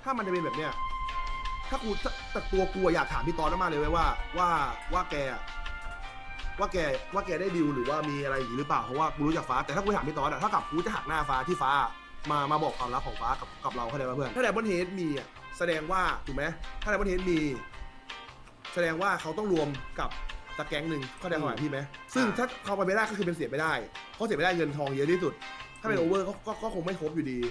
ถ้ามันจะเป็นแบบเนี้ยถ้ากูแต่ตัวกูอยากถามพี่ตอนมากเลยเว้ยว่าแกว่าแกได้ดิวหรือว่ามีอะไรอย่างนี้หรือเปล่าเพราะว่ากูรู้จักฟ้าแต่ถ้ากูถามพี่ตอนอะถ้ากับกูจะหักหน้าฟ้าที่ฟ้ามาบอกความลับของฟ้ากับเราเข้าใจป่ะเพื่อนถ้าไดมอนด์เฮดมีอะแสดงว่าถูกไหมถ้าไดมอนด์เฮดมีแสดงว่าเขาต้องรวมกับตะแก๊งหนึ่งเข้าใจความหมายพี่ไหมซึ่งถ้าเขาไปไม่ได้ก็คือเป็นเสียไม่ได้เพราะเสียไม่ได้เงินทองเยอะที่สุดถ้าเป็นโอเวอร์ก็คงไม่ครบอยู่ดี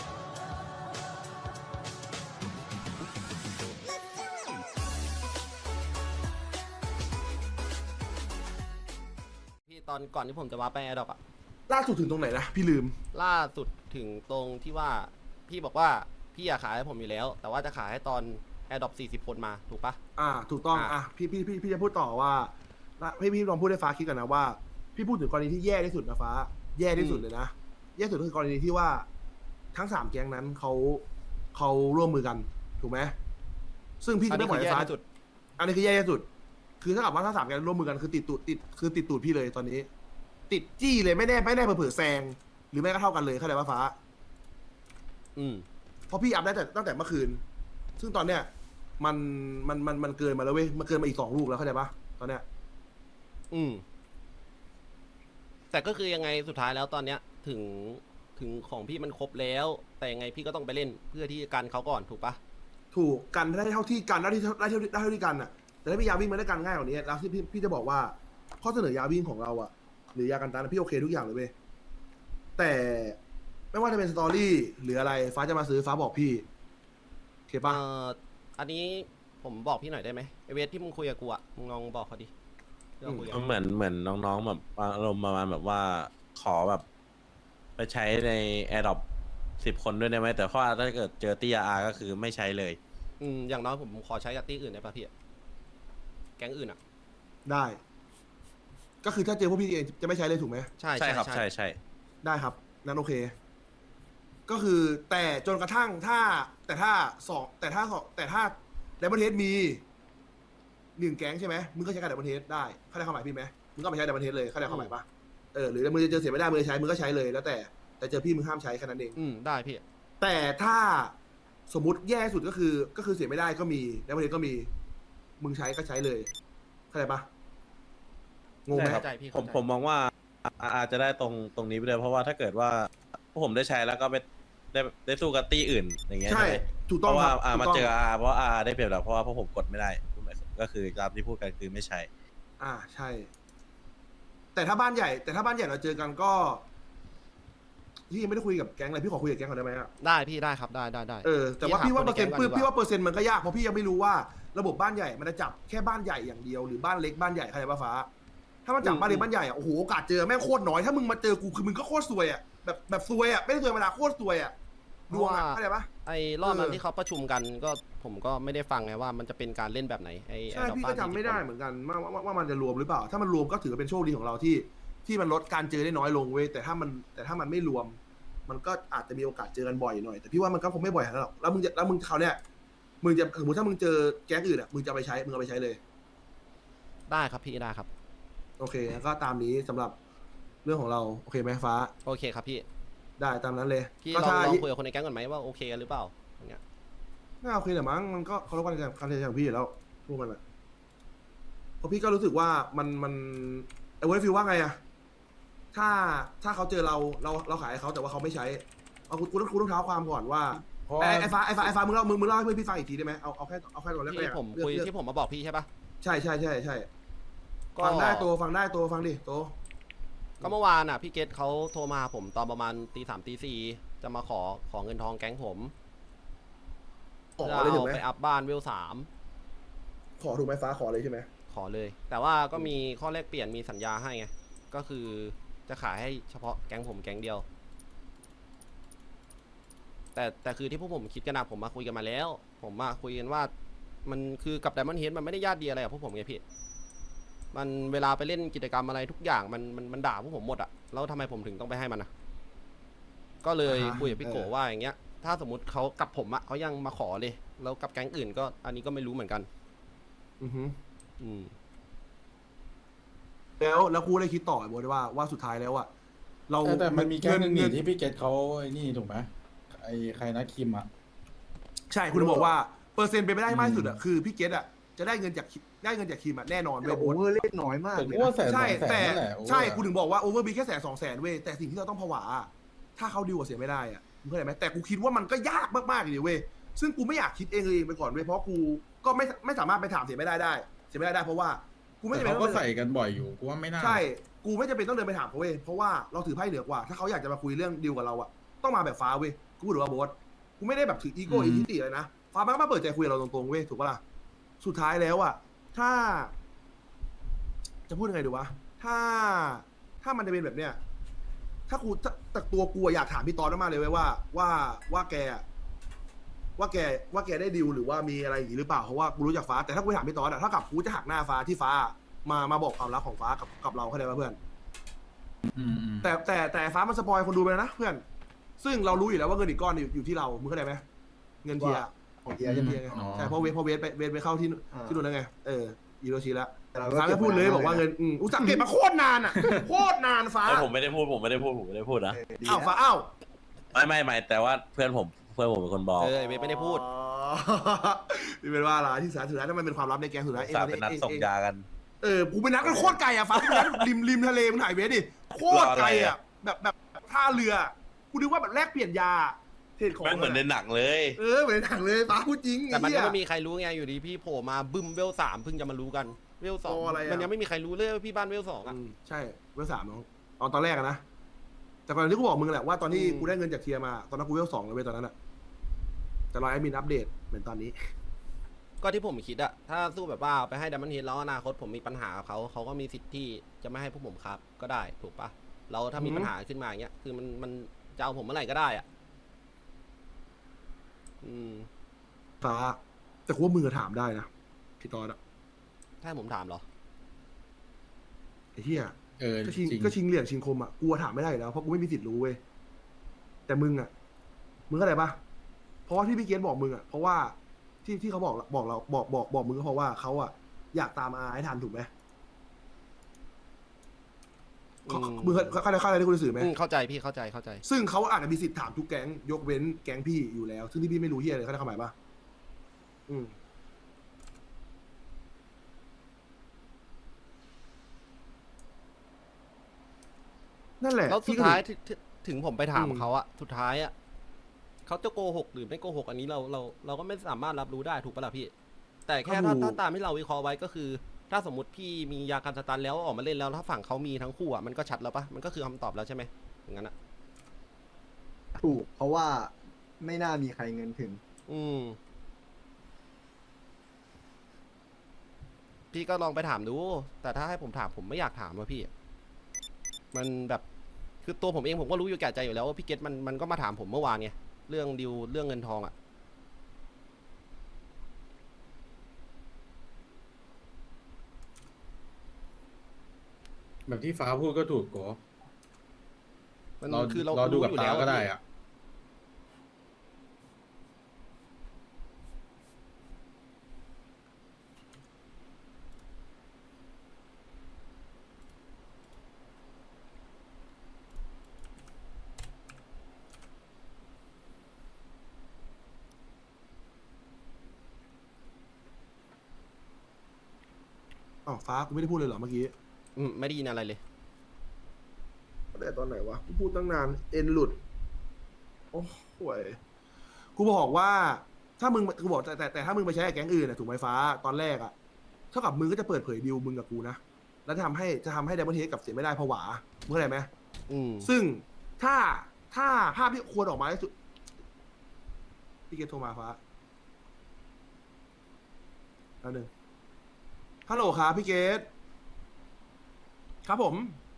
พี่ตอนก่อนที่ผมจะวาร์ปไปแอร์ดรอปอะล่าสุดถึงตรงไหนนะพี่ลืมล่าสุดถึงตรงที่ว่าพี่บอกว่าพี่อยากขายให้ผมอยู่แล้ว แต่ว่าจะขายให้ตอนแอร์ดรอป40 คนมาถูกปะถูกต้องอ่ะพี่จะพูดต่อว่าพี่ลองพูดให้ฟ้าคิดกันนะว่าพี่พูดถึงกรณีที่แย่ที่สุดนะฟ้าแย่ที่สุดเลยนะแย่สุดก็คือกรณีที่ว่าทั้ง3แก๊งนั้นเขาร่วมมือกันถูกไหมซึ่งพี่อัจะนนี้ไม่ปล่คืออยแย่ให้ฟ้าที่สุดอันนี้คือแย่ที่สุด คือถ้ากับว่าถ้า3แก๊งร่วมมือกันคือติดตูดพี่เลยตอนนี้ ติดจี้เลยไม่แน่เผื่อแซงหรือไม่ก็เท่ากันเลยเข้าใจป่ะฟ้าอืมเพราะพี่อัพได้แต่ตั้งแต่เมื่อคืน ซึ่งตอนเนี้ยมันเกินมาแล้วเว้ย มันเกินมาอีก2 ลูกแล้วเข้าใจปะตอนเนี้ยอืมแต่ก็คือยังไงสุดท้ายแล้วตอนเนี้ยถึงของพี่มันครบแล้ว แต่ยังไงพี่ก็ต้องไปเล่นเพื่อที่จะกันเขาก่อนถูกปะถูกกันได้เท่าที่กันได้เท่าที่กันอ่ะ แต่ถ้าพี่ยาวิ่งมันได้กันง่ายกว่านี้แล้วที่พี่จะบอกว่าข้อเสนอยาวิ่งของเราอ่ะ หรือยากันตันอะพี่โอเคทุกอย่างเลยเว้ย แต่ไม่ว่าจะเป็นสตอรี่หรืออะไรฟ้าจะมาซื้อฟ้าบอกพี่โอเคปะอันนี้ผมบอกพี่หน่อยได้ไหมไอเวทที่มึงคุยกับกูอะมึงลองบอกเขาดิที่เราคุยกันเหมือนน้องๆแบบอารมณ์ประมาณแบบว่าขอแบบ ไปใช้ใน Adopt 10 คนด้วยได้ไหมแต่ว่าถ้าเกิดเจอตีอาก็คือไม่ใช้เลยอย่างน้อยผมขอใช้กับตี้อื่นได้ปะพี่แก๊งอื่นอะได้ ก็คือถ้าเจอพวกพี่เองจะไม่ใช้เลยถูกไหมใช่ใช่ครับใช่ได้ครับนั้นโอเค ก็คือแต่จนกระทั่งแต่ถ้าไดมอนเทสมี1 แก๊งใช่ไหมมึงก็ใช้กับไดมอนเทสได้เข้าใจความหมายพี่ไหมมึงก็ไปใช้ไดมอนเทสเลยเข้าใจความหมายปะหรือมึงจะเจอเสียไม่ได้มึงจะใช้มึงก็ใช้เลยแล้วแต่เจอพี่มึงห้ามใช้แค่นั้นเองได้พี่แต่ถ้าสมมุติแย่สุดก็คือเสียไม่ได้ก็มีไดมอนเทสก็มีมึงใช้ก็ใช้เลยเข้าใจปะงงไหมใช่ครับเข้าใจพี่ผเข้าม ใจผมมองว่าอาจจะได้ตรงนี้ไปเลยเพราะว่าถ้าเกิดว่าพวกผมได้ใช้แล้วก็ไปได้สู้กับตีอื่นอย่างเงี้ยใช่ไหมถูกเพต้องราะคว่ารับถูกมาต้องเจอเพราะได้เปรียบแล้วเพราะว่าพวกผมกดไม่ได้ก็คือตามที่พูดกันคือไม่ใช่ใช่ แต่ถ้าบ้านใหญ่เราเจอกันก็พี่ยังไม่ได้คุยกับแก๊งเลยพี่ขอคุยกับแก๊งก่อนได้ไหมอะได้พี่ได้ครับได้ได้แต่ว่าพี่ว่าเปอร์เซ็นต์พี่พี่ถามคนในแก๊งก่อนดีกว่าว่าเปอร์เซ็นต์มันก็ยากเพราะพี่ยังไม่รู้ว่าระบบบ้านใหญ่มันจะจับแค่บ้านใหญ่อย่างเดียวหรือบ้านเล็กบ้านใหญ่ใครบ้าฟ้า ถ้ามันจับบ้านเล็กบ้านใหญ่อะโอ้โหโอกาสเจอแม่งโคตรน้อยถ้ามึงมาเจอกูคือมึงก็โคตรซวยอะแบบซวยอะไม่ได้ซวยธรรมดาโคตรซวยอะดวงอะเข้าใจปะไอ้รอบนั้นที่เขาประชุมกันก็ผมก็ไม่ได้ฟังไงว่ามันจะเป็นการเล่นแบบไหนไอ้ใช่ Adopt พี่ก็จำไม่ได้เหมือนกันว่ามันจะรวมหรือเปล่า ถ้ามันรวมก็ถือเป็นโชคดีของเราที่มันลดการเจอได้น้อยลงเว้ยแต่ถ้ามันไม่รวม มันก็อาจจะมีโอกาสเจอกันบ่อยหน่อยแต่พี่ว่ามันก็คงไม่บ่อยขนาดนั้นหรอกแล้วมึงเขาวเนี่ยมึงจะสมมติถ้ามึงเจอแก๊งอื่นอ่ะมึงจะเอาไปใช้เลยได้ครับพี่ได้ครับโอเคก็ตามนี้สำหรับเรื่องของเราโอเคไหมฟ้าโอเคครับพี่ได้ตามนั้นเลยพี่ก็ลองถ้าลองคุยกับคนในแก๊งก่อนไหมว่าโอเคกันหรือเปล่าอย่างเงี้ยไม่โอเคแต่มั้งมันก็เขารพการตัดสินใจของพี่อยู่แล้วพวกมันอ่ะเพราะพี่ก็รู้สึกว่ามันไอ้เวอร์ฟิลว่าไงอ่ะถ้าเขาเจอเราขายให้เขาแต่ว่าเขาไม่ใช้เอาคุณต้องเท้าความก่อนว่า ไอ้ฟ้ามึงเล่าให้เพื่อนพี่ฟังอีกทีได้ไหมเอาแค่ตอนแรกที่ผมคุยที่ผมมาบอกพี่ใช่ปะใช่ก็ฟังได้โตฟังดิโตก็เมื่อวานอ่ะพี่เกตเขาโทรมาหาผมตอนประมาณตี 3ตี 4จะมาขอเงินทองแก๊งผมขอจะเลยถูกเอาไหมไปอัพบ้านเวลขอถูกไหมฟ้าขอเลยใช่ไหม 3ขอเลย แต่ว่าก็มีข้อแลกเปลี่ยนมีสัญญาให้ไงก็คือจะขายให้เฉพาะแก๊งผมแก๊งเดียว แต่คือที่พวกผมคิดกันนะผมมาคุยกันมาแล้ว ผมมาคุยกันว่ามันคือกับ Diamond Head มันไม่ได้ญาติดีอะไรกับพวกผมไงพี่มันเวลาไปเล่นกิจกรรมอะไรทุกอย่างมันด่าพวกผมหมดอะแล้วทำไมผมถึงต้องไปให้มันอะก็เลยคุยกับพี่โกว่าอย่างเงี้ยถ้าสมมติเขากับผมอะเขายังมาขอเลยแล้วกับแก๊งอื่นก็อันนี้ก็ไม่รู้เหมือนกันอือฮึอืมแล้วครูได้คิดต่อบอกด้วยว่าสุดท้ายแล้วอะเราแต่มันมีแก๊งหนึ่งเงินี่ที่พี่เกตเขาไอ้นี่ถูกไหมไอ้ใครนะคิมอ่ะใช่คุณถึงบอกว่าเปอร์เซ็นต์เป็นไปได้มากที่สุดอะคือพี่เกตอะจะได้เงินจากทีมอะแน่นอนเว้แต่ยโอโบ๊ทเวอร์เล่นน้อยมากผมเลยก็ว่านะแสนสใช่องแสนแต่นั่นแหละใช่กูถึงบอกว่าโอเวอร์บีแค่100,000-200,000เว้ยแต่สิ่งที่เราต้องผวาอะถ้าเขาดีกว่าเสียไม่ได้อะมึงเข้าใจไหมแต่กูคิดว่ามันก็ยากมากๆเลยเว้ยซึ่งกูไม่อยากคิดเองเลยไปก่อนเว้ยเพราะกูก็ไม่สามารถไปถามเสียไม่ได้เพราะว่ากูไม่แต่จำเป็นเขาต้ก็องใส่กันบ่อยอยู่กูว่าไม่น่าใช่กูไม่จำเป็นต้องเดินไปถามเขาเว้ยเพราะว่าเราถือไพ่เหนือกว่า ถ้าเขาอยากจะมาคุยเรื่องดีลกับเราอะต้องมาแบบฟ้าเว้ยกูถือว่าโบ๊ทกูไม่ได้แบบถืออีโก้อีทิติเลยนะฟ้ามันก็มาเปิดใจคุยกับเราตรงๆเว้ยถูกปะล่ะสุดท้ายแล้วอะถ้า จะพูดยังไงดีวะถ้ามันจะเป็นแบบเนี้ยถ้ากูแต่ตัวกูอยากถามพี่ตอนมากเลยเว้ยว่าแกได้ดิวหรือว่ามีอะไรอย่างงี้หรือเปล่าเพราะว่ากูรู้จักฟ้าแต่ถ้ากูถามพี่ตอนอะถ้ากับกูจะหักหน้าฟ้าที่ฟ้ามาบอกความรักของฟ้ากับเราเข้าใจป่ะเพื่อนอืมแต่ฟ้ามันสปอยคนดูไปแล้วนะเพื่อน ซึ่งเรารู้อยู่แล้วว่าเงินอีกก้อนอยู่ที่เรามึงเข้าใจไหมเงินเทียร์ของเทียร์ใช่ไหมเทียร์ไงใช่เพราะเวทไปเข้าที่นู่นแล้วไงอีโรชิแล้วแต่เราฟ้าก็พูดเลยบอกว่าเงินอุตส่าห์เก็บมาโคตรนานอ่ะโคตรนานฟ้าผมไม่ได้พูดนะดีอ้าวนะฟ้าอ้าวไม่แต่ว่าเพื่อนผมเป็นคนบอกเวทไม่ได้พูดอ๋อนี่เป็นว่าอะไรที่สุดท้ายถ้ามันเป็นความลับในแกงสุดท้ายสาเป็นนัดส่งยากันกูไปนัดกันโคตรไกลอ่ะฟ้ากูนัดริมทะเลมึงถ่ายเวทดิโคตรไกลอ่ะแบบท่าเรือกูนึกว่าแบบแลกเปลี่ยนยาเทรดของแม่งเหมือนในหนังเลยเหมือนในหนังเลยฟ้าพูดจริงแต่มันก็อ้ไม่เหี้ยมีใครรู้ไงอยู่ดีพี่โผล่มาบึ้มเวล3เพิ่งจะมารู้กันเวลโอ้อะไรอะ 2มันยังไม่มีใครรู้เลยว่าพี่บ้านเวล2อ่ะใช่เวล3น้องตอนแรกอะนะแต่ก่อนที่กูบอกมึงแหละว่าตอนที่กูได้เงินจากเทียร์มาตอนนั้นกูเวล2เลยเว้ยตอนนั้นอะแต่รอแอดมินอัปเดตเหมือนตอนนี้ก็ที่ผมคิดอะถ้าสู้แบบว่าไปให้ดัมเบิลเฮดแล้วอนาคตผมมีปัญหากับเขาก็มีสิทธิ์ที่จะไม่ให้พวกผมครับก็ได้ถูกปะเราถ้ามีอือฮึปัญหาขึ้นมาอย่างเงี้ยคือมันจะเอาผมเมื่อไหร่ก็ได้อะฟ้าแต่กูว่ามึงอะถามได้นะพี่ตอนอะถ้าให้ผมถามเหรอไอ้เหี้ยจก็ชิงริงก็ชิงเหลี่ยมชิงคมอะกูอะถามไม่ได้อยู่แล้วเพราะกูไม่มีสิทธิ์รู้เว้ยแต่มึงอะมึงเข้าใจปะเพราะว่าที่พี่เกณฑ์บอกมึงอะเพราะว่าที่เขาบอกเราบอกมึงก็เพราะว่าเขาอะอยากตามอาให้ทันถูกไหม มึงเข้าใจที่กูจะสื่อไหมเข้าใจพี่เข้าใจซึ่งเขาอาจจะมีสิทธิ์ถามทุกแก๊งยกเว้นแก๊งพี่อยู่แล้ว ซึ่งที่พี่ไม่รู้เฮียเลยเขาได้ความหมายปะนั่นแหละแล้วสุดพี่ก็ท้ายถึงผมไปถามเขาอะสุดท้ายอะเขาจะโกหกหรือไม่โกหกอันนี้เราก็ไม่สามารถรับรู้ได้ถูกปะล่ะพี่ แต่แค่ถ้าตามที่เราวิเคราะห์ไว้ก็คือ ถ้าสมมติพี่มียากันสตันแล้วออกมาเล่นแล้วถ้าฝั่งเขามีทั้งคู่อะมันก็ชัดแล้วปะมันก็คือคำตอบแล้วใช่ไหมอย่างนั้นอะถูกเพราะว่าไม่น่ามีใครเงินถึงพี่ก็ลองไปถามดู แต่ถ้าให้ผมถามผมไม่อยากถามว่ะพี่ มันแบบคือตัวผมเองผมก็รู้อยู่แก่ใจอยู่แล้วว่าพี่เกตมันก็มาถามผมเมื่อวานไงเรื่องดิวเรื่องเงินทองอะแบบที่ฟ้าพูดก็ถูกโกมันเราคือเราเราดูรู้กับอยู่ตาแล้วก็ได้พี่อะอ๋อฟ้ากูไม่ได้พูดเลยเหรอเมื่อกี้ไม่ได้ยินอะไรเลยแต่ตอนไหนวะกูพูดตั้งนานเอ็นหลุดโอ้โหยกูบอกว่า ถ้ามึงกูบอกแต่ถ้ามึงไปใช้กับแก๊งอื่นน่ะถูกไหมฟ้าตอนแรกอะเท่ากับมึงก็จะเปิดเผยดิวมึงกับกูนะแล้วจะทำให้ไดมอนด์เฮดกับเสียไม่ได้ผวามึงเข้าใจไหม ซึ่งถ้าภาพที่ควรออกมาที่สุดพี่เกตโทรมาฟ้าแล้วหนึ่งฮัลโหลครับพี่เกตครับผม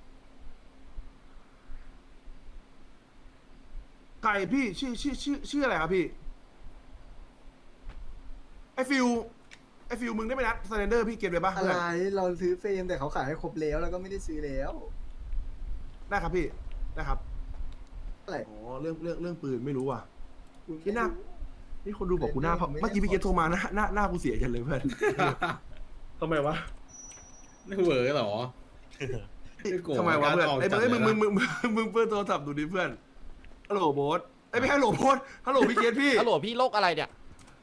ใครพี่ชื่ออะไรครับพี่ไอฟิลมึงได้ไหมนัดสแตนเดอร์พี่เกตไปปะอะไรเราซื้อเฟรมแต่เขาขายให้ครบแล้วก็ไม่ได้ซื้อแล้วได้ครับพี่ได้ครับอะไรอ๋อเรื่องปืนไม่รู้ว่ะคุณที่หน้า นี่คนดูบอกกูหน้าเมื่อกี้พี่เกตโทรมาหน้ากูเสียกันเลยเพื่อน ทำไมวะไม่เหวอเหรอ โกรธทำไมวะเพื่อนการออกไอ้จัดเพื่อนเลยนะมึงเพื่อนโทรศัพท์ดูดิเพื่อนฮัลโหลโบ๊ทไอ้ไม่ฮัลโหลโบ๊ทฮัลโหลพี่เกตพี่ฮัลโหลพี่โรคอะไรเนี่ย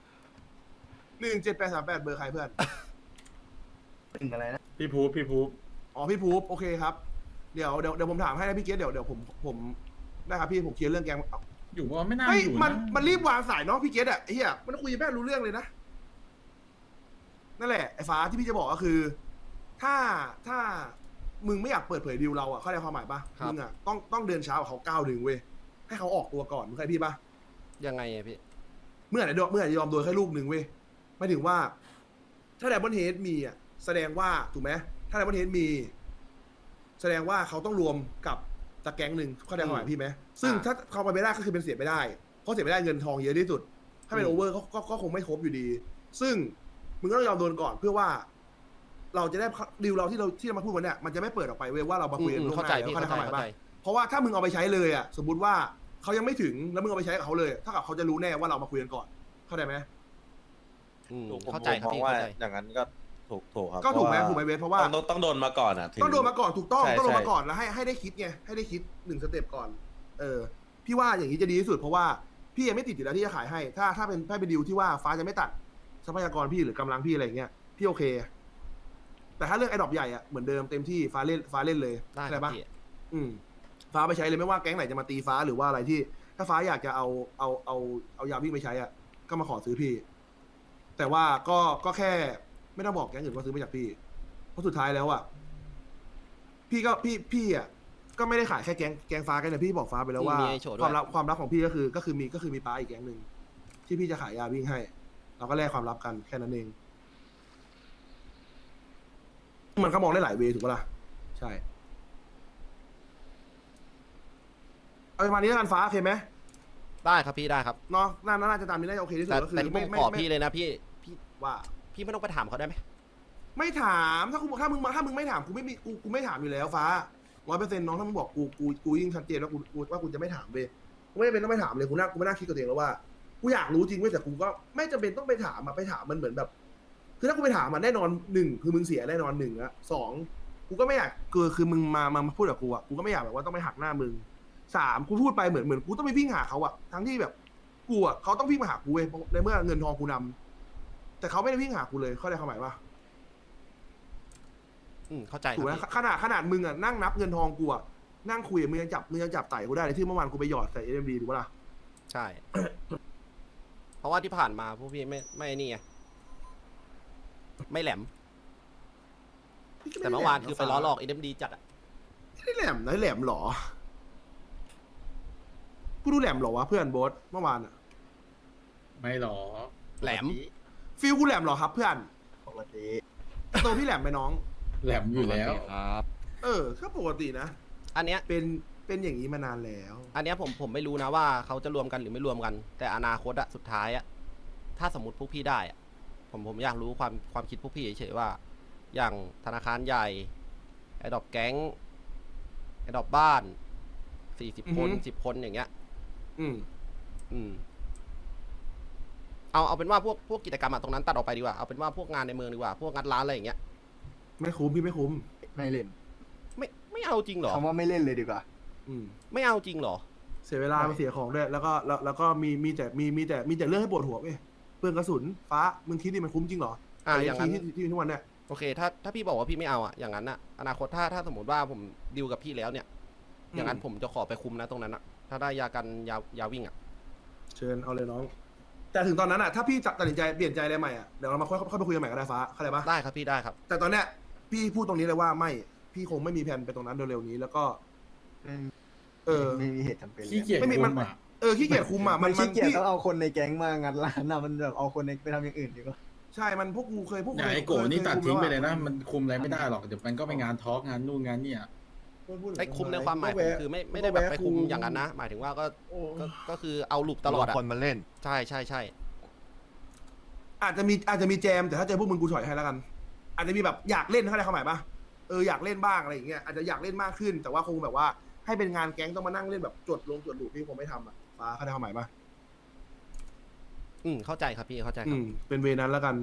17838เบอร์ใครเพื่อนหนึ่งอะไรนะพี่พูบอ๋อพี่ภูปโอเคครับเดี๋ยวผมถามให้นะพี่เกศเดี๋ยวผมได้ครับพี่ผมเคลียร์เรื่องแกงอยู่ว่าไม่น่าเฮ้ยอยู่มันะนรีบวางสายเนาะพี่เกศอะไอ้เหี้ยมันคุยแม่รู้เรื่องเลยนะนั่นแหละไอ้ฟ้าที่พี่จะบอกก็คือ ถ้ามึงไม่อยากเปิดเผยดีลเราอะเข้าใจความหมายปะครับมึงอะต้องเดินช้ากว่าเขา9 เดือนเว้ยให้เขาออกตัวก่อนมึงเข้าใจพี่ปะยังไงอะพี่เมื่อไหร่จะยอมโดนแค่ลูกหนึ่งเว้ยหมายถึงว่า ถ้าไดมอนด์เฮดมีอ่ะแสดงว่าถูกไหมถ้าไดมอนด์เฮดมี แสดงว่าเขาต้องรวมกับตะแก๊งหนึ่งเข้าใจความหมายพี่ไหมซึ่งถ้าเขาไปไม่ได้ก็คือเป็นเสียไม่ได้เพราะเสียไม่ได้เงินทองเยอะที่สุด ถ้าเป็นโอเวอร์ก็คงไม่ครบอยู่ดี ซึ่งมึงก็ต้องยอมโดนก่อนเพื่อว่า เราจะได้ดีลเราที่เรามาพูดวันเนี้ยมันจะไม่เปิดออกไปเว้ยว่าเรามาคุยกันล่วงหเข้าน้าใจแล้วพี่เข้าใจเข้าความหมายใจเข้าปะใจเพราะว่าถ้ามึงเอาไปใช้เลยอ่ะสมมติว่าเขายังไม่ถึงแล้วมึงเอาไปใช้กับเขาเลยถ้ากับเขาจะรู้แน่ว่าเรามาคุยกันก่อนเข้าใจไหมผมเข้าใจครับมองพี่ว่าเข้าใจอย่างนั้นก็ถูกครับก็ถูกไหมพราะว่าถูกไหมเวทเพราะว่าต้องโดนมาก่อนอ่ะถึต้องโดนมาก่อนถูกต้องใช่ต้องโดนใช่มาก่อนแล้วให้ได้คิดไงให้ได้คิด1 สเต็ปก่อนพี่ว่าอย่างนี้จะดีที่สุดเพราะว่าพี่ยังไม่ติดอยู่แล้วที่จะขายให้ถ้าเป็นดีลที่ว่าฟ้าจะไม่ตัดทรัพยากรพี่หรือกำลังพี่อะไรอย่างเงี้ยพี่โอเค แต่ถ้าเรื่องไอ้ดอกใหญ่อะเหมือนเดิมเต็มที่ฟ้าเล่นเลยได้คเข้ารับใจปะพี่ฟ้าไปใช้เลยไม่ว่าแก๊งไหนจะมาตีฟ้าหรือว่าอะไรที่ ถ้าฟ้าอยากจะเอายาวิ่งไปใช้อะก็มาขอซื้อพี่ แต่ว่าก็แค่ไม่ต้องบอกแก๊งอื่นว่าซื้อมาจากพี่ เพราะสุดท้ายแล้วอะพี่อะก็ไม่ได้ขายแค่แก๊งฟ้ากันนะพี่บอกฟ้าไปแล้วว่ามีไอ้โฉดด้วยความลับของพี่ก็คือมีป้าอีกแก๊งหนึ่งที่พี่จะขายยาวิ่งให้ เราก็แลกความลับกันแค่นั้นเอง มันก็มองได้หลายเวย์ถูกปะล่ะใช่เอาประมาณนี้แล้วกันฟ้าโอเคไหมได้ครับพี่ได้ครับเนาะน่าจะตามนี้น่าจะโอเคที่สุดแต่ก็คือแต่ที่ผมขอพี่เลยนะพี่ว่าพี่ไม่ต้องไปถามเขาได้ไหมไม่ถามถ้ามึงไม่ถามกูไม่ถามอยู่แล้วฟ้า100%น้องถ้ามึงบอกกูยิ่งชัดเจนว่ากูจะไม่ถามเว้ยกูไม่จำเป็นต้องไปถามเลยกูไม่น่าคิดกับตัวเองแล้วว่ากูอยากรู้จริงเว้ยแต่กูก็ไม่จำเป็นต้องไปถามอะไปถามมันเหมือนแบบ คือถ้ากูไปถามมันแน่นอน1คือมึงเสียแน่นอน1ละ2กูก็ไม่อยากคือมึงมาพูดกับกูอะกูก็ไม่อยากแบบว่าต้องไปหักหน้ามึง3กูพูดไปเหมือนกูต้องไปวิ่งหาเขาอะทั้งที่แบบกูอะเขาต้องวิ่งมาหากูเว้ยในเมื่อเงินทองกูนำแต่เขาไม่ได้วิ่งหากูเลยเข้าใจความหมายปะเข้าใจคถูกไหมรับพี่ขนาดมึงอ่ะนั่งนับเงินทองกูอ่ะนั่งคุยมึงยังจับไต่กูได้เลยที่เมื่อวานกูไปหยอดใส่ SMD ถูกปะล่ะใช่ เพราะว่าที่ผ่านมาพวกพี่ไม่นี่ไงไม่แหลม แต่เมื่อวานคือไปล้อหลอก SMD จัดอะไม่ได้แหลมนะแหลมเหรอกูดูแหลมเหรอวะเพื่อนโบ๊ทเมื่อวานอ่ะไม่หรอแหลมฟิลกูแหลมเหรอครับเพื่อนปกติตัวพี่แหลมไปน้องแหลมอยู่แล้วก็ปกตินะอันเนี้ยเป็นอย่างนี้มานานแล้วอันเนี้ยผมไม่รู้นะว่าเขาจะรวมกันหรือไม่รวมกัน แต่อนาคตอะสุดท้ายอะถ้าสมมติพวกพี่ได้อะผมอยากรู้ความคิดพวกพี่เฉยๆว่า อย่างธนาคารใหญ่ไอ้ดอกแก๊งไอ้ดอกบ้าน40 คน10 คนอย่างเงี้ยอืมเอาเป็นว่าพวกกิจกรรมอะตรงนั้นตัดออกไปดีกว่าเอาเป็นว่าพวกงานในเมืองดีกว่าพวกงัดร้านอะไรอย่างเงี้ยไม่คุ้มพี่ไม่คุ้มไม่เล่นไม่เอาจริงเหรอคำว่าไม่เล่นเลยดีกว่าอืมไม่เอาจริงเหรอเสียเวลามันเสียของด้วยแล้วก็มีแต่เรื่องให้ปวดหัวเว้ยเปลืองกระสุนฟ้ามึงคิดดิมันคุ้มจริงเหรออย่างนั้นที่ทุกวันเนี่ยโอเคถ้าพี่บอกว่าพี่ไม่เอาอะอย่างนั้นอะอนาคตถ้าสมมติว่าผมดีลกับพี่แล้วเนี่ย อย่างนั้นผมจะขอไปคุมนะตรงนั้นอะถ้าได้ยากันยาวิ่งอะเชิญเอาเลยน้อง แต่ถึงตอนนั้นอ่ะถ้าพี่ตัดสินใจเปลี่ยนใจอะไรใหม่อ่ะเดี๋ยวเรามาค่อยไปคุยกันใหม่ก็ได้ฟ้าเข้าใจปะได้ครับพี่ได้ครับแต่ตอนเนี้ยพี่พูดตรงนี้เลยว่าไม่พี่คงไม่มีแผนไปตรงนั้นเร็วๆนี้แล้วก็ไม่มีเหตุจำเป็นขี้เกียจไม่มีคุมันมอ่ะขี้เกียจคุมอ่ะมันขี้เกียจพี่ต้องเอาคนในแก๊งมางัดร้านนะมันแบบเอาคนในไปทำอย่างอื่นดีกว่าใช่มันพวกกูเคยอย่าไอ้โกนี่ตัดทิ้งไปเลยนะ มันคุมอะไรไม่ได้หรอกเดี๋ยวมันก็ไปงานทอล์กงานนู่นงานเนี่ยไอ้คุมในความหมายผมคือไม่ได้แบบไปคุมอย่างนั้นนะ หมายถึงว่าก็คือเอาลูปตลอดอะคนมาเล่นใช่อาจจะมีแจมแต่ถ้าเจอพวกมึงกูถอยให้แล้วกัน อาจจะมีแบบอยากเล่นเข้าใจความหมายปะอยากเล่นบ้างอะไรอย่างเงี้ยอาจจะอยากเล่นมากขึ้น แต่ว่าคงแบบว่าให้เป็นงานแก๊งต้องมานั่งเล่นแบบจดลูปพี่คงไม่ทำอ่ะฟ้าเข้าใจความหมายปะเข้าใจครับพี่เข้าใจครับเป็นเวนั้นแล้วกัน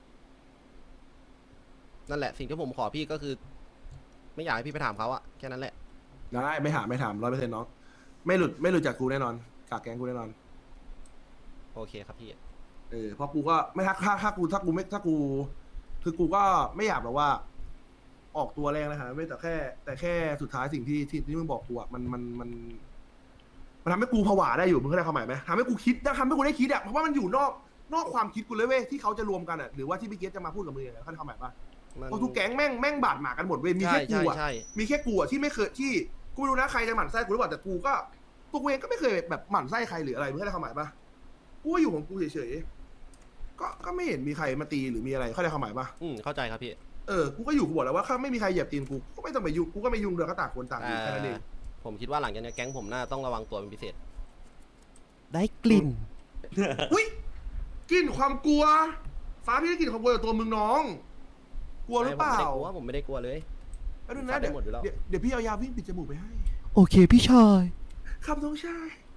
นั่นแหละสิ่งที่ผมขอพี่ก็คือ ไม่อยากให้พี่ไปถามเขาอะแค่นั้นแหละได้ไม่ถาม100%น้องไม่หลุดจากกูแน่นอนจากแก๊งกูแน่นอนโอเคครับพี่เพราะกูก็ไม่ถ้ากูคือกูก็ไม่อยากแบบว่า ออกตัวแรงนะครับไม่แต่แค่สุดท้ายสิ่งที่มึงบอกกูอ่ะมันทำให้กูผวาได้อยู่มึงเข้าใจความหมายไหมทำให้กูคิดทำให้กูได้คิดอ่ะเพราะว่ามันอยู่นอกความคิดกูเลยเว้ยที่เขาจะรวมกันอ่ะหรือว่าที่พี่เกสจะมาพูดกับมึงเข้าใจความหมายปะมันเพราะทุกแก๊งแม่งบาดหมางกันหมดเว้ยมีใช่แค่กูใช่อ่ะใช่มีแค่กูอ่ะที่ไม่เคยที่กูไม่รู้นะใครจะหมั่นไส้กูหรือเปล่าแต่กูก็ตัวกูเองก็ไม่เคยแบบหมั่นไส้ใครหรืออะไรมึงเข้าใจความหมายปะกูก็อยู่ของกูเฉยๆก็ไม่เห็นมีใครมาตีหรือมีอะไรเข้าใจความหมายปะเข้าใจครับพี่กูก็อยู่กูบอกแล้วว่าถ้าไม่มีใครเหยียบตีนกูก็ไม่ต้องไปยุ่งกูก็ไม่ยุ่งเดี๋ยวก็ต่างคนต่างอยู่แค่นั้นเองผมคิดว่าหลังจากนี้แก๊งผมน่าต้องระวังตัวเป็นพิเศษ ได้กลิ่นอุ้ยกลิ่นความกลัว ฟ้าพี่ได้กลิ่นความกลัวจากตัวมึงน้อง กลัวหรือเปล่าผมไม่ได้กลัวเลยแล้วดูนะได้หมดอยู่แล้วเดี๋ยวพี่เอายาวิ่งปิดจมูกไปให้โอเคพี่ชายครับน้องชาย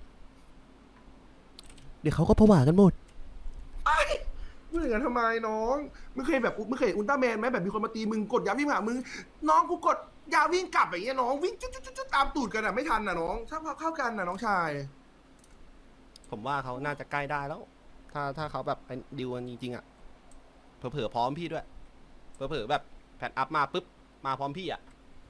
เดี๋ยวเขาก็ผวากันหมดไอ้มึงอย่างนั้นทำไมน้องมึงเคยเห็นอุลตร้าแมนไหมแบบมีคนมาตีมึงกดยาวิ่งหามึงน้องกูกดยาวิ่งกลับอย่างเงี้ยน้องวิ่งจุ๊ดตามตูดกันอ่ะไม่ทันน่ะน้องถ้าเข้ากันน่ะน้องชายผมว่าเขาน่าจะใกล้ได้แล้ว ถ้าเขาแบบเป็นดิวกันจริงๆอ่ะ เผลอๆพร้อมพี่ด้วย เผลอๆแบบแพทอัพมาปุ๊บ มาพร้อมพี่อ่ะ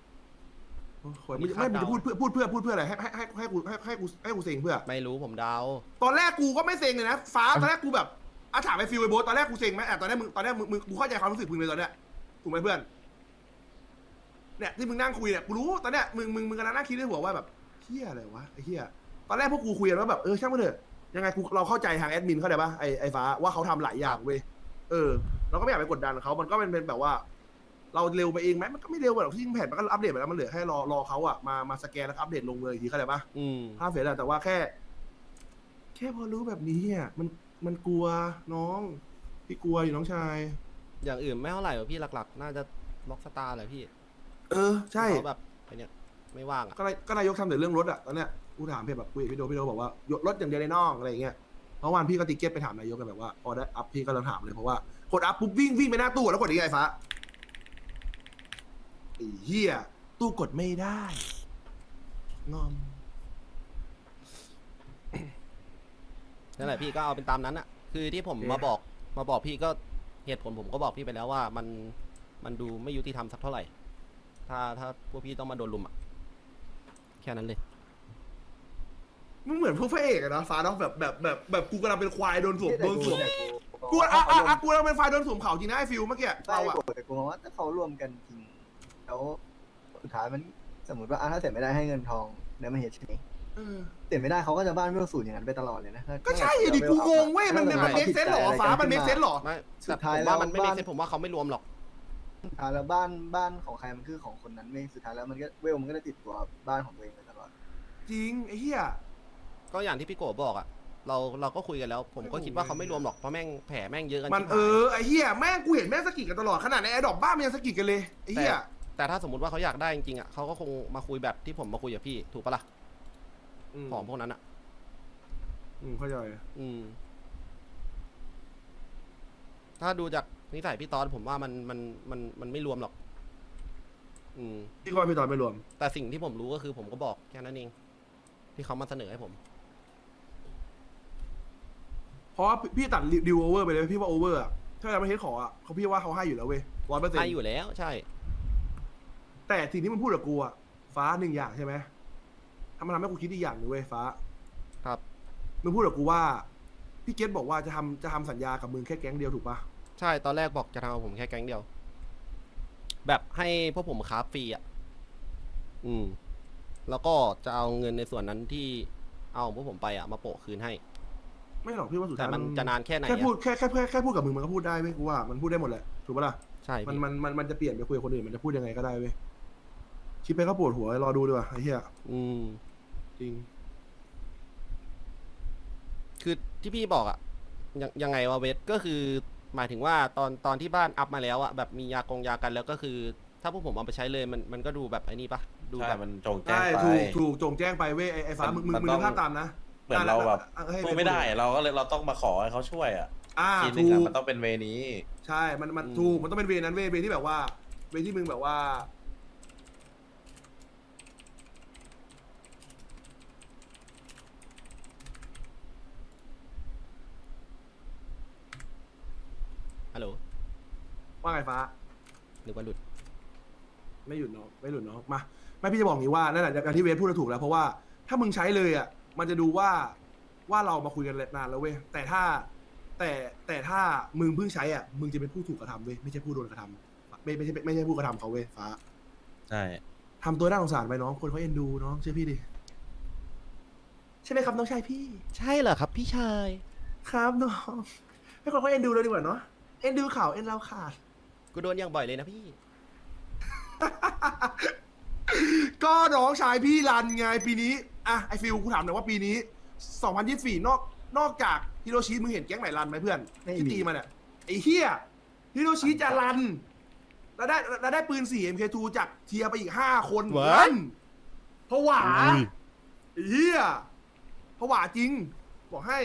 ไม่มึงจะพูดเพื่ออะไรให้กูเซ็งเพื่อไม่รู้ผมเดาตอนแรกกูก็ไม่เซ็งเลยนะฟ้าตอนแรกกูแบบถามไปฟิลไอโบ๊ทตอนแรกกูเซ็งไหมตอนแรกมึงกูเข้าใจความรู้สึกมึงเลยตอนเนี้ยถูกไหมเพื่อนเนี่ยที่มึงนั่งคุยเนี่ยกูรู้ตอนเนี้ยมึงกำลังนั่งคิดในหัวว่าแบบเฮียอะไรวะไอ้เฮียตอนแรกพวกกูคุยกันว่าแบบช่างมันเถอะยังไงเราเข้าใจทางแอดมินเข้าใจปะไอ้ฟ้าว่าเขาทำหลายอย่างเว้ยเราก็ไม่อยากไปกดดันเขามันก็เป็นแบบว่า เราเร็วไปเองไหมมันก็ไม่เร็วหรอกที่แผ่นมันก็อัปเดตไปแล้วมันเหลือแค่รอเขาอะมาสแกนแล้วอัปเดตลงเลยอีกทีเข้าใจปะ ภาพเสร็จแล้วแต่ว่าแค่พอรู้แบบนี้อ่ะมันกลัวน้องพี่กลัวอยู่น้องชายอย่างอื่นไม่เท่าไหร่หรอกพี่หลักๆ น่าจะล็อกสตาร์แหละพี่ใช่เขาแบบไอเนี้ยไม่ว่างอ่ะก็นายกทำแต่เรื่องรถอ่ะตอนเนี้ยกูถามเพียแบบคุยกับพี่โดบอกว่ารถอย่างเดียวในน้องอะไรอย่างเงี้ยเพราะวันพี่ก็ติ๊กเก็ตไปถามนายกกันแบบว่าพอได้อัพพี่ก็ลองถามเลยเพราะว่ากดอัพปุ๊บวิ่งไปหน้าตู้แล้วกดยังไงฟ้าไอ้เหี้ยตู้กดไม่ได้งอมนั่นแหละพี่ก็เอาเป็นตามนั้นอ่ะ คือที่ผมโอเคมาบอกพี่ก็เหตุผลผมก็บอกพี่ไปแล้วว่ามันดูไม่ยุติธรรมสักเท่าไหร่ ถ้าพวกพี่ต้องมาโดนลุมอ่ะ แค่นั้นเลยมึงเหมือนพวกพระเอกอะนะฟ้าเนาะแบบกูกำลังเป็นควายโดนสวมกูกำลังเป็นควายโดนสวมเขาจริงนะไอ้ฟิลเมื่อกี้เราเราอะแต่กูมองว่าถ้าเขารวมกันจริงแล้วสุดท้ายมันสมมติว่าถ้าเสร็จไม่ได้ให้เงินทองแล้วมันเหตุใช่ไหมเสร็จไม่ได้เขาก็จะบ้านไม่สูญอย่างนั้นไปตลอดเลยนะก็ใช่ดิกูงงเว้ยมันเมคเซนหรอฟ้ามันเมคเซนหรอไม่สุแต่ดท้ายผมแล้วว่ามันไม่บ้าได้นเซ็ตผมว่าเขาไม่รวมหรอกสุดท้ายแล้วบ้านของใครมันคือของคนนั้นไม่สุดท้ายแล้วมันก็เวลมันก็จะติดตัวบ้านของตัวเองไปตลอดจริงไอ้เหี้ยก็อย่างที่พี่โกบอกอ่ะ เราก็คุยกันแล้ว ผมก็คิดว่าเขาไม่รวมหรอกเพราะแม่งแผลแม่งเยอะกันมันชิบหายไอ้เหี้ยแม่งกูเห็นแม่งสกิดกันตลอดขนาดในแอร์ดรอปบ้านมันยังสกิดกันเลยไอ้เหี้ยแต่ถ้าสมมติว่าเขาอยากได้จริงๆอ่ะเขาก็คงมาคุยแบบที่ผมมาคุยกับพี่ถูกปะล่ะของพวกนั้นอ่ะเข้าใจถ้าดูจากนิสัยพี่ตอนผมว่ามันไม่รวมหรอกพี่ก็ว่าพี่ตอนไม่รวมแต่สิ่งที่ผมรู้ก็คือผมก็บอกแค่นั้นเองที่เขามาเสนอให้ผมเพราะว่าพี่ตัดดิวโอเวอร์ไปเลยพี่ว่าโอเวอร์อะถ้าเราไม่เทสขออะเขาพี่ว่าเขาให้อยู่แล้วเว้ย100% ให้อยู่แล้วใช่แต่สิ่งที่มึงพูดกับกูอะฟ้าหนึ่งอย่างใช่ไหมทำให้กูคิดอีกอย่างหนึงเว้ยฟ้าครับมึงพูดกับกูว่าพี่เกตบอกว่าจะทำสัญญากับมึงแค่แก๊งเดียวถูกปะใช่ตอนแรกบอกจะทำกับผมแค่แก๊งเดียว แบบให้พวกผมค้าฟรีอ่ะแล้วก็จะเอาเงินในส่วนนั้นที่เอาของพวกผมไปอ่ะมาโปะคืนให้ไม่หรอกพี่ว่าสุดแต่ท้ายมันจะนานแค่ไหนแค่อะพูดแค่พูดกับมึงมันก็พูดได้เว้ยกูว่ามันพูดได้หมดแหละถูกปะล่ะใช่มันพี่มันจะเปลี่ยนไปคุยกับคนอื่นมันจะพูดยังไงก็ได้เว้ยคิดไปก็ปวดหัวรอดูดีกว่าไอ้เหี้ย จริงคือที่พี่บอกอ่ะยังไงวะเวทก็คือหมายถึงว่าตอนที่บ้านอัพมาแล้วอ่ะแบบมียากันแล้วก็คือ ถ้าพวกผมเอาไปใช้เลยมันก็ดูแบบไอ้นี่ปะดูใช่แบบมันจงแจ้งใช่ไปถูกจงแจ้งไปเว้ยไอ้ฟ้ามึงมันนึต้องกภาพตามนะเหมือนเราแบบให้สู้ไม่ได้เราก็เลยเราต้องมาขอให้เขาช่วยอ่ะทีนึถูงอ่ะกมันต้องเป็นเวนี้ใช่มันถูกมันต้องเป็นเวนั้นเวที่แบบว่าเวที่มึงแบบว่าฮัลโหลว่าไงฟ้านึกว่าหลุดไม่หยุดเนาะไม่หลุดเนาะมาไม่พี่จะบอกอย่างนี้ว่านั่นแหละอย่างที่เวฟพูดถูกแล้วเพราะว่าถ้ามึงใช้เลยอ่ะมันจะดูว่าเรามาคุยกันนานแล้วเว้ยแต่ถ้ามึงเพิ่งใช้อ่ะมึงจะเป็นผู้ถูกกระทำเว้ยไม่ใช่ผู้โดนกระทำไม่ใช่ผู้กระทำเขาเว้ยฟ้าใช่ทำตัวน่าสงสารไปน้องคนเขาเอ็นดูน้องเชื่อพี่ดิใช่ไหมครับน้องชายพี่ใช่เหรอครับพี่ชายครับน้องให้คนเขาเอ็นดูเลยดีกว่าเนาะเอ็นดูข่าวเอ็นเราขาดกูโดนอย่างบ่อยเลยนะพี่ก็น้องชายพี่รันไงปีนี้อ่ะไอฟิลกูถามหน่อยว่าปีนี้ 2024 นอกจากฮิโรชิมึงเห็นแก๊งไหนรันไหมเพื่อนที่ตีมาเนี่ยไอเฮียฮิโรชิจะรันแล้วได้ปืน 4 MK2 จากเทียร์ไปอีก 5 คน What? รันผวาไอ้เฮียผวาจริง บอกให้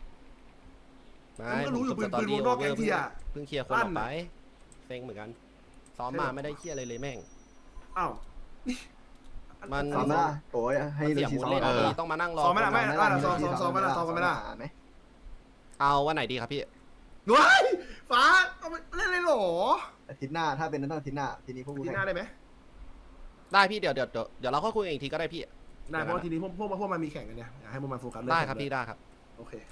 มันก็รู้อยู่ผมปืนวงนอกแก๊งเทียร์เพิ่งเคลียร์คนออกไปเซ็งเหมือนกัน ซ้อมมาไม่ได้เคลียร์อะไรเลยแม่งอ้าวมันซ้อมไหมล่ะโอ้ยให้มันดูเสียชีมูดซ้อมเล่นเออต้องมานั่งรอซ้อมไม่ได้คนไม่มาได้ซ้อมไม่ได้ซ้อมไม่ได้ไหมเอาวันไหนดีครับพี่ว้ายฟ้าเอาไปเล่นเลยเหรออาทิตย์หน้าถ้าเป็นนั้นต้องอาทิตย์หน้าทีนี้พวกกูทีแข่งหน้าได้ไหมได้พี่เดี๋ยวเราค่อยคุยกันอีกทีก็ได้พี่ได้เพราะว่าทีนี้พวกมันมีแข่งกันเนี่ยอยากให้พวกมันโฟกัสเรื่องได้ครับแข่งพี่ได้ครับโอเค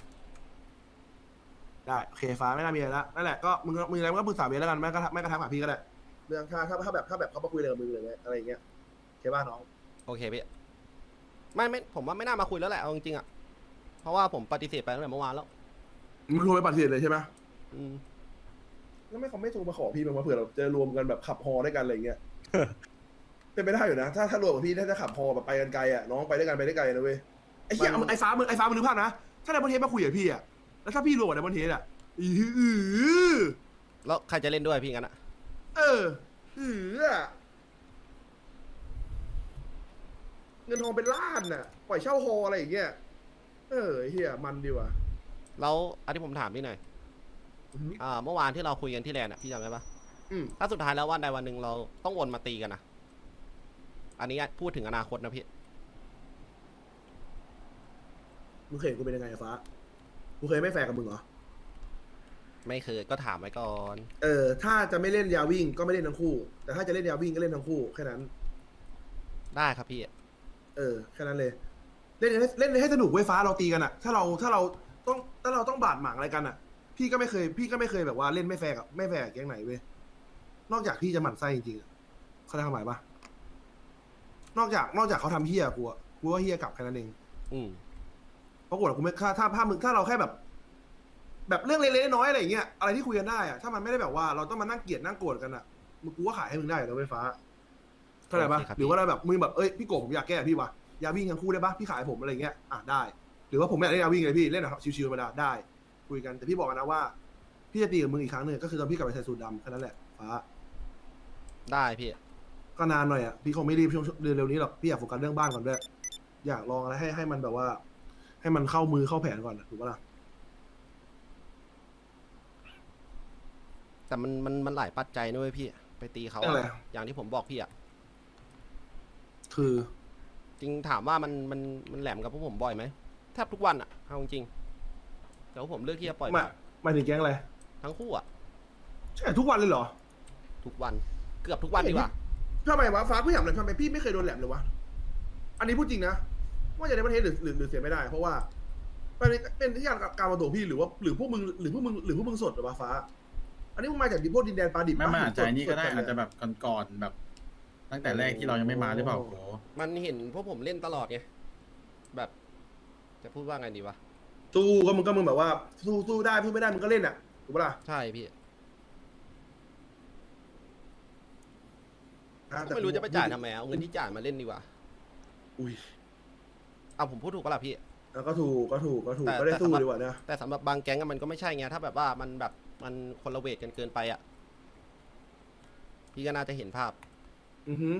ได้โอเคฟ้าไม่น่ามีอะไรละนั่นแหละก็มึงอะไรมึงก็ปรึกษาเบสแล้วกันไม่กระทั่งหาพี่ก็ได้เรื่องถ้าแบบเขามาคุยเลยกับมึงเลยอะไรอย่างเงี้ยโอเคป่ะน้องโอเคพี่ไม่ผมว่าไม่น่ามาคุยแล้วแหละเอาจริงๆอ่ะเพราะว่าผมปฏิเสธไปตั้งแต่เมื่อวานแล้วมึงโทรไปปฏิเสธเลยใช่ไหมอืมแล้วไม่เขาไม่โทรมาขอพี่มั้งวะเผื่อเราจะรวมกันแบบขับฮอด้วยกันอะไรอย่างเงี้ย เป็นไปได้อยู่นะถ้ารวมกับพี่ถ้าจะขับฮอแบบไปกันไกลอ่ะน้องไปด้วยกันไปได้ไกลนะเว้ยไอ้เหี้ยไอ้ฟ้ามึงนึกภาพนะถ้าไดมอนเทสมาคุยกับพี่อ่ะแล้วถ้าพี่รวมกับไดมอนเทสอ่ะอือแล้วใครจะเล่นด้วยพี่งั้นอ่ะเงินทองเป็นล้านน่ะปล่อยเช่าฮออะไรอย่างเงี้ยไอ้เฮียมันดีว่ะแล้วอันที่ผมถามพี่หน่อยเมื่อวานที่เราคุยกันที่แลนด์อ่ะพี่จำได้ปะอืมถ้าสุดท้ายแล้ววันใดวันหนึ่งเราต้องวนมาตีกันนะอันนี้พูดถึงอนาคตนะพี่มึงเคยเห็นกูเป็นยังไงอะฟ้ากูเคยไม่แฟร์กับมึงเหรอไม่เคยก็ถามไว้ก่อนถ้าจะไม่เล่นยาวิ่งก็ไม่เล่นทั้งคู่ แต่ถ้าจะเล่นยาวิ่งก็เล่นทั้งคู่แค่นั้นได้ครับพี่แค่นั้นเลย เล่นให้สนุกเว้ยฟ้าเราตีกันอะถ้าเราต้องบาดหมางอะไรกันอะพี่ก็ไม่เคยแบบว่าเล่นไม่แฟร์กับแก๊งไหนเว้ยนอกจากพี่จะหมั่นไส้จริงๆอะเขาทำหมายปะนอกจากเขาทำเฮี้ยกูว่าเฮี้ยกลับแค่นั้นเองอืมเพราะกูไม่ถ้าเราแค่แบบเรื่องเล็กๆน้อยๆอะไรอย่างเงี้ยอะไรที่คุยกันได้อะถ้ามันไม่ได้แบบว่าเราต้องมานั่งเกลียดนั่งโกรธกันอะมึงกูว่าขายให้มึงได้นะเว้ยฟ้าเข้าใจปะโอเคครับหรือว่าเราแบบมึงแบบเอ้ยพี่โกผมอยากแก้พี่วะยาวิ่งทั้งคู่ได้ปะพี่ขายผมอะไรเงี้ยได้ หรือว่าผมไม่อยากเล่นยาวิ่งเลยพี่เล่นแบบชิวๆธรรมดาได้ คุยกันแต่พี่บอกกันนะว่าพี่จะตีกับมึงอีกครั้งหนึ่งก็คือตอนพี่กลับไปใส่สูทดำแค่นั้นแหละฟ้าได้พี่ก็นานหน่อยอ่ะพี่คงไม่รีบช่วงเดือนเร็วนี้หรอกพี่อยากโฟกัสเรื่องบ้านก่อนด้วยอยากลองอะไรให้มันแบบว่า ให้มันเข้ามือเข้าแผนก่อนถูกปะล่ะแต่มันหลายปัจจัยนะเว้ยพี่ ไปตีเขาเรื่องอะไรอย่างที่ผมบอกพี่อ่ะคือจริงถามว่ามันแหลมกับพวกผมบ่อยไหมแทบทุกวันอ่ะเอาจริงๆแต่ว่าผมเลือกที่จะปล่อยหมายถึงแก๊งอะไรทั้งคู่อ่ะใช่ทุกวันเลยเหรอทุกวันเกือบทุกวันดีกว่าทำไมวะฟ้าพี่ถามเลยทำไมพี่ไม่เคยโดนแหลมเลยวะอันนี้พูดจริงนะว่าจะในประเทศหรือเสียไม่ได้ เพราะว่าเป็นที่การมาตัวพี่หรือพวกมึงสดหรือวะฟ้า อันนี้มึงมาจากพวกดินแดนปลาดิบไม่ปะอาจจะนี่ก็ได้สๆอาจจะแบบก่อนๆแบบ ตั้งแต่แรกที่เรายังไม่มาหรือเปล่าโหมันเห็นพวกผมเล่นตลอดไงแบบ จะพูดว่าไงดีวะสู้ก็มึงแบบว่าสู้ได้สู้ไม่ได้มึงก็เล่นอ่ะถูกปะล่ะใช่พี่อ่ะก็ไม่รู้จะไปจ่ายทำไมเอาเงินที่จ่ายมาเล่นดีกว่าอุ้ยเอาผมพูดถูกปะล่ะพี่แล้วก็ถูกก็ได้สู้ดีกว่านะแต่สำหรับบางแก๊งอะมันก็ไม่ใช่ไงถ้าแบบว่ามันแบบมันคนละเวทกันเกินไปอ่ะพี่ก็น่าจะเห็นภาพอือฮึ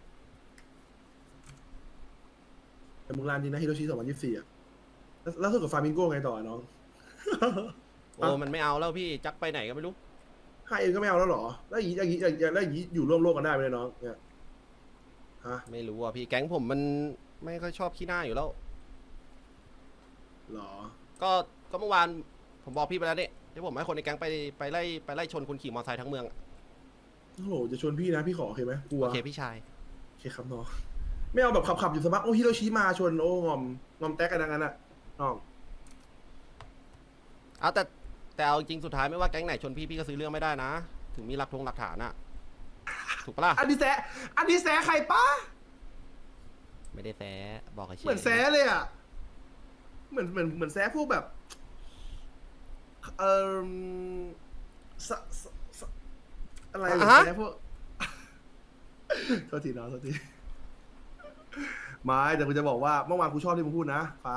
แต่มึงรานจริงนะฮิโรชิ2024อ่ะแล้วสู้กับฟามิงโก้ไงต่อน้องโอ้มันไม่เอาแล้วพี่จักไปไหนก็ไม่รู้ให้เองก็ไม่เอาแล้วเหรอแล้วอย่างนี้อยู่ร่วมโลกกันได้ไหมเนี่ยน้องเนี่ยฮะไม่รู้อ่ะพี่แก๊งผมมันไม่ค่อยชอบขี้หน้าอยู่แล้วหรอก็เมื่อวานผมบอกพี่ไปแล้วเนี่ยที่ผมให้คนในแก๊งไปไล่ชนคนขี่มอเตอร์ไซค์ทั้งเมืองอะโอ้โหจะชวนพี่นะพี่ขอโอเคไหมกลัวโอเคพี่ชายโอเคครับน้องไม่เอาแบบขับอยู่สมัครโอ้ฮิโรชิมาชนโอ้งอมแตกกันดังนั้นอะน้องเอาแต่เอาจริงสุดท้ายไม่ว่าแก๊งไหนชนพี่ก็ซื้อเรื่องไม่ได้นะ ถึงมีหลักฐานอะถูกปะล่ะอันนี้แซะใครป้าไม่ได้แซะบอกเฉยเหมือนแซะเลยอะเหมือนแซะพวกแบบสสอะไรเหมือนแซะพวก โทษทีน้องโทษทีไม่แต่กูจะบอกว่าเมื่อวานกูชอบที่มึงพูดนะฟ้า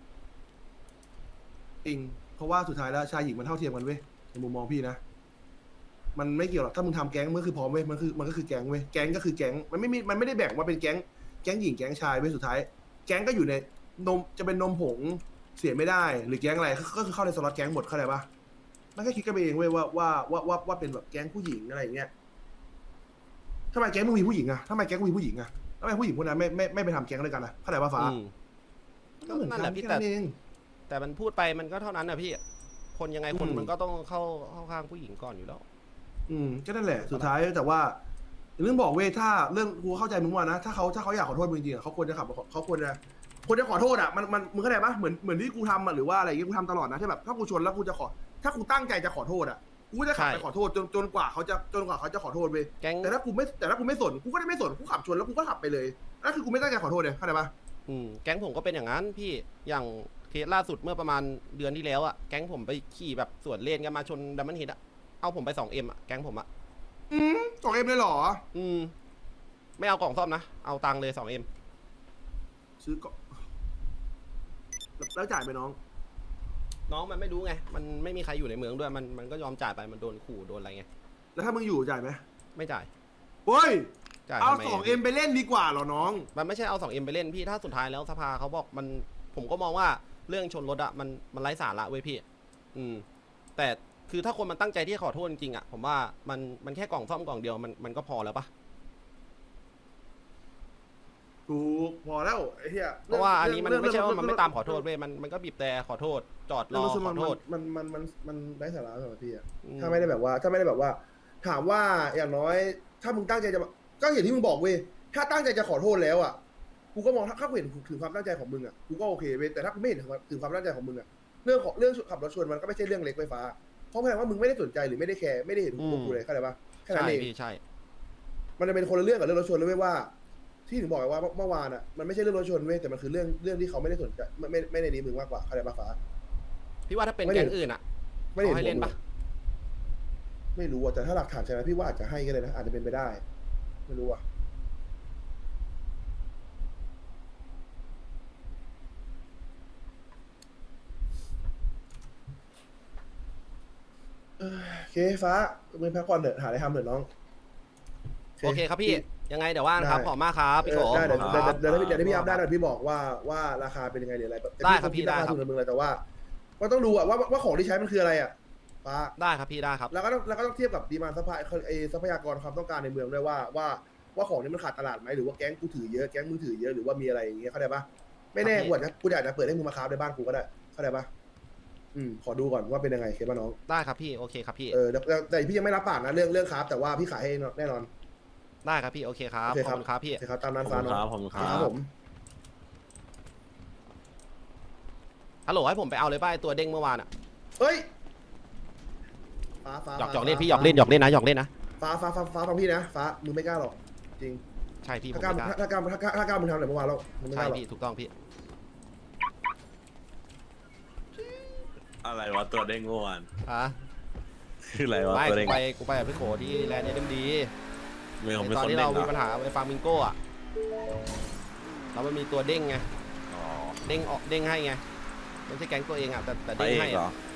จริงเพราะว่าสุดท้ายแล้วชายหญิงมันเท่าเทียมกันเว้ยในมุมมองพี่นะมันไม่เกี่ยวหรอกถ้ามึงทำแก๊งมันคือพร้อมเว้ยมันก็คือแก๊งเว้ยแก๊งก็คือแก๊งมันไม่ได้แบ่งว่าเป็นแก๊งหญิงแก๊งชายเว้ยสุดท้ายแก๊งก็อยู่ในนมจะเป็นนมผงเสียไม่ได้หรือแก๊งอะไรก็คือเข้าในสล็อตแก๊งหมดเข้าใจปะมันแค่คิดกันไปเองเว้ยว่าเป็นแบบแก๊งผู้หญิงอะไรอย่างเงี้ยทำไมแก๊งมึงมีผู้หญิงอะทำไมแก๊งมึงมีผู้หญิงอะทำไมผู้หญิงพวกนั้นไม่ไปทำแก๊งด้วยกันอะเข้าใจปะฟ้าอืมก็เหมือนนั่กันนแหละพี่แค่นั้นเองแต่มันพูดไปมันก็เท่านั้นนะพี่ คนยังไงคนอืมมันก็ต้องเข้าข้างผู้หญิงก่อนอยู่แล้วก็นั่นแหละสุดท้ายแต่ว่าเรื่องบอกเว้ยถ้าเรื่องกูเข้าใจมึงว่านะถ้าเขาอยากขอโทษมึงจริงๆอะเขาควรจะเขาควรจะขอโทษอะมันมึงเข้าใจปะเหมือนที่กูทำอะหรือว่าอะไรอย่างงี้กูทำตลอดนะที่แบบถ้ากูชนแล้วกูจะขอถ้ากูตั้งใจจะขอโทษอะกูจะขับไปใช่ขอโทษจนกว่าเขาจะขอโทษเว้ยแก๊งแต่ถ้ากูไม่สนกูก็ได้ไม่สนกูขับชนแล้วกูก็ขับไปเลยนั่นคือกูไม่ตั้งใจขอโทษเลยเข้าใจปะแก๊งผมก็เป็นอย่างนั้นพี่อย่างเคสล่าสุดเมื่อประมาณเดือนที่แล้วอะแก๊งผมไปขี่แบบสวนเลนกันมาชนดัมเบิลฮิตอะเอาผมไป 2M อะแก๊งผมอะ 2M เลยเหรอไม่เอากล่องซ่อมนะ เอาตังค์เลย 2M ซื้อก่อนแล้วจ่ายไปน้องน้องมันไม่รู้ไง มันไม่มีใครอยู่ในเมืองด้วย มันก็ยอมจ่ายไป มันโดนขู่โดนอะไรไงแล้วถ้ามึงอยู่จ่ายไหมไม่จ่ายเฮ้ยจ่ายเอาทำไม 2M ไปเล่นดีกว่าเหรอน้องมันไม่ใช่เอา 2M ไปเล่นพี่ ถ้าสุดท้ายแล้วสภาเขาบอกมัน ผมก็มองว่าเรื่องชนรถอะมันไร้สาระเว้ยพี่ แต่คือถ้าคนมันตั้งใจที่จะขอโทษจริงๆอะผมว่ามันแค่กล่องซ่อมกล่องเดียวมันก็พอแล้วปะถูกพอแล้วไอ้เหี้ยเพราะว่าอันนี้มันไม่ใช่ว่ามันไม่ตามขอโทษเว้ยมันก็บีบแต่ขอโทษ จอดรอขอโทษมันได้สาระสำหรับพี่อะอืมถ้าไม่ได้แบบว่า ถามว่าอย่างน้อย ถ้ามึงตั้งใจจะก็เห็นที่มึงบอกเว้ยถ้าตั้งใจจะขอโทษแล้วอ่ะกูก็มองถ้ากูเห็นถึงความตั้งใจของมึงอ่ะกูก็โอเคเว้ยแต่ถ้ากูไม่เห็นถึงความตั้งใจของมึงอ่ะเรื่องขับรถชนมันก็ไม่ใช่เรื่องเล็กไฟฟ้าเพราะแปลว่ามึงไม่ได้สนใจหรือไม่ได้แคร์ไม่ได้เห็นพวกกูเลยเข้าใจปะแค่นั้ใช่นเองพี่ใช่มันจะเป็นคนละเรื่องกับเรื่องรถชนเลยเว้ยว่า ที่ถึงบอกไว้ว่าเมื่อวานอ่ะมันไม่ใช่เรื่องรถชนเว้ยแต่มันคือเรื่องที่เขาไม่ได้สนใจไม่ได้นี้มึงมากกว่าเข้าใจปะฟ้าพี่ว่าถ้าเป็นไม่ได้แก๊งอื่นอะไม่ได้เขาให้เล่นปะไม่รู้อ่ะแต่ถ้าหลักฐานใช่ไหมพี่ว่าอาจจะให้ก็เลยนะอาจจะเป็นไปได้ไม่รู้อ่ะโอเคฟ้ามึงพักผ่อนเถอะหาอะไรทำเถอะน้องโอเคครับพี่ ยังไงเดี๋ยวว่างครับได้ขอบมากครับพี่โกได้เดี๋ยวขอบคุณเดี๋ยวครับเดี๋ยวพี่อัพได้เดี๋ยวพี่บอกว่าราคาเป็นยังไงหรืออะไรแบบได้ครับพี่ราคาได้ครับทุนมึงเลยแต่ว่าต้องดูอะว่าของที่ใช้มันคืออะไรอะฟ้าได้ครับพี่ได้ครับแล้วก็ต้องเทียบกับดีมานด์ทรัพยากรความต้องการในเมืองด้วยว่าของนี้มันขาดตลาดไหมหรือว่าแก๊งกูถือเยอะแก๊งมึงถือเยอะหรือว่ามีอะไรอย่างเงี้ยเข้าใจปะไม่แน่ครับพี่กูอาจจะเปิดให้มึงมาค้าในบ้านกูก็ได้เข้าใจปะขอดูก่อนว่าเป็นยังไงเคป่ะน้องได้ครับพี่โอเคครับพี่แต่พี่ยังไม่รับปากนะเรื่องค้าแต่ว่าพี่ขายให้แน่นอนได้ครับพี่โอเคครับโอเคขคอรับบ คุณครับพี่โอเคครับตามนั้นขอบฟ้าคุณน้องครับผมคครัรับบ ผมฮัลโหลให้ผมไปเอาเลยป้ายตัวเด้งเมื่อวานอะเฮ้ยฟ้าหยอกเล่นพี่หยอกเล่นนะฟ้าฟังพี่นะฟ้ามึงไม่กล้าหรอกจริงใช่พี่ผมถ้ากล้าไม่กล้าถ้ากล้ามึงทำอะไรเมื่อวานแล้วมึงไม่กใช่ล้าหรอกพี่ถูกต้องพี่อะไรวะตัวเด้งเมื่อวานอ่ะคืออะไรวะไม่ตัวเด้งกูไปกับพี่โขที่แลนด์เอ็มดีไม่ผมเป็นตอนคนที่เด้เรางเหรมีอปัญหาไปฟาร์มิงโก้อะแล้วมันมีตัวเด้งไงอ๋อเด้งให้ไงไม่ใช่แก๊งตัวเองอะแต่พระเด้งเอกให้เหรอะอ